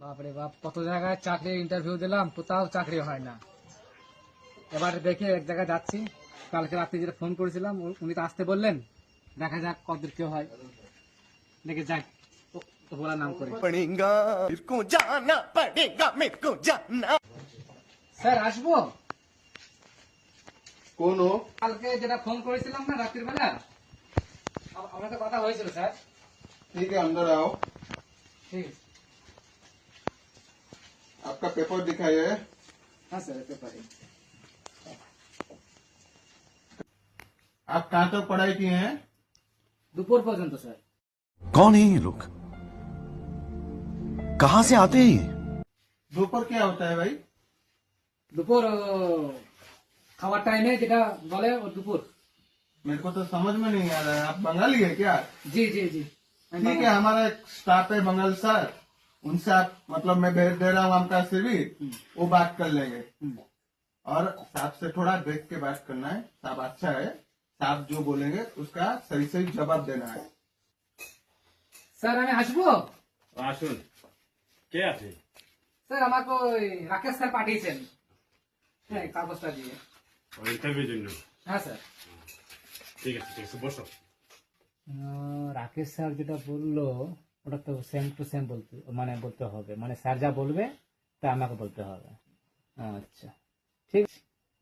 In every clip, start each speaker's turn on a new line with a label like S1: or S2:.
S1: বাপরে বাপ, কত জায়গায় চাকরি ইন্টারভিউ দিলাম, কোথাও চাকরি হয় না। এবার দেখে এক জায়গায় যাচ্ছি, কালকে রাত্রে যেটা ফোন করেছিলাম উনি তো আসতে বললেন, দেখা যাক কতদূর কি হয়, দেখে যাক তো বলার নাম করে। স্যার আসবো?
S2: कौन हो?
S1: কালকে যেটা ফোন করেছিলাম না রাত্রির বেলা, আমার তো কথা হয়েছিল স্যার।
S2: ठीक है, अंदर आओ।
S1: ঠিক আছে।
S2: आपका पेपर दिखाइए।
S1: হ্যাঁ স্যার, এতে পারি।
S2: आप कहाँ तक पढ़ाई किए हैं?
S1: দুপুর পর্যন্ত স্যার।
S3: कौन है ये लोग? कहां से आते हैं ये?
S2: दोपहर क्या होता है भाई?
S1: দুপুর খাওয়ার টাইমে যেটা বলে ও দুপুর।
S2: मेरे को तो समझ में नहीं आ रहा है। आप बंगाली है क्या?
S1: জি জি জি।
S2: ठीक है, हमारा एक स्टाफ है बंगाल सर, उनसे आप मतलब मैं भेज दे रहा हूँ आपका सीवी, वो बात कर लेंगे। और साहब से थोड़ा देख के बात करना है। साहब अच्छा है, साहब जो बोलेंगे उसका सही सही जवाब देना है।
S1: স্যার আমি আসবো?
S4: আসুন, কে আছে?
S1: স্যার আমাকে ওই রাকেশ স্যার পাঠিয়েছেন, হ্যাঁ কাগজটা দিয়ে।
S4: ওই ইন্টারভিউর জন্য?
S1: হ্যাঁ স্যার।
S4: ঠিক আছে ঠিক আছে, বসো।
S1: রাকেশ স্যার যেটা বললো ওটা তো সেম টু সেম বলতে মানে বলতে হবে, মানে স্যার যা বলবে তা আমাকে বলতে হবে। আচ্ছা ঠিক আছে।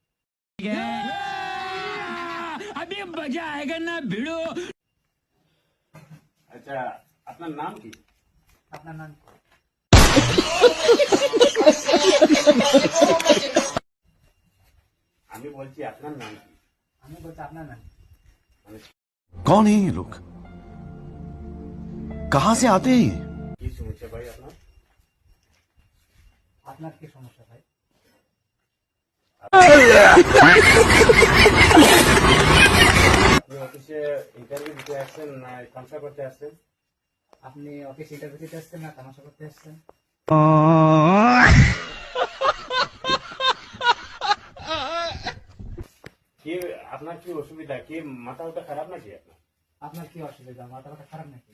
S4: আচ্ছা, আপনার নাম কি?
S1: আপনার নাম?
S4: আমি বলছি আপনার নাম কি?
S1: আমি বলছি আপনার নাম?
S3: कौन है ये लोग? कहां से आते हैं ये?
S4: কি সমস্যা ভাই আপনার?
S1: আপনার কি সমস্যা ভাই?
S4: আপনি অফিসে ইন্টারভিউ দিতে আসছেন না কনসাল্ট করতে আসছেন?
S1: আপনি অফিস ইন্টারভিউ দিতে আসছেন না তামাশা করতে আসছেন?
S4: কি আপনার কি অসুবিধা? কি মাথা ওটা খারাপ নাকি আপনার?
S1: আপনার কি অসুবিধা? মাথা ব্যথা খারাপ নাকি?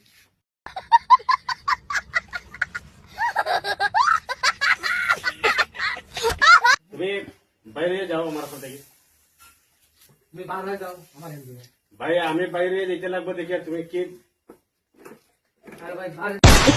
S4: তুমি বাইরে যাও আমার সাথে থেকে।
S1: তুমি বার হয়ে যাও আমার এমনি।
S4: ভাই আমি বাইরে যেতে লাগবো দেখি, আর তুমি কি
S1: আরে ভাই বার।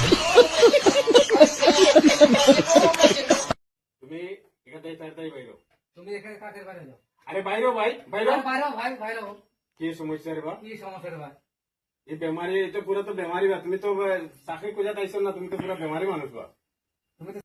S4: তুমি এখান থেকে তাড়াতাড়ি বাইরো।
S1: তুমি এখানে কাকের বাইরে যাও।
S4: আরে বাইরো ভাই, বাইরো।
S1: বাইরে ভাই বাইরে।
S4: কি সমস্যা রে বা?
S1: কি সমস্যা রে ভাই?
S4: এই বেমারি, এটা পুরো তো বেমারি বা। তুমি তো চাকরি খোঁজাতে আইছো না, তুমি তো পুরো বেমারি মানুষ বা।
S1: তুমি তো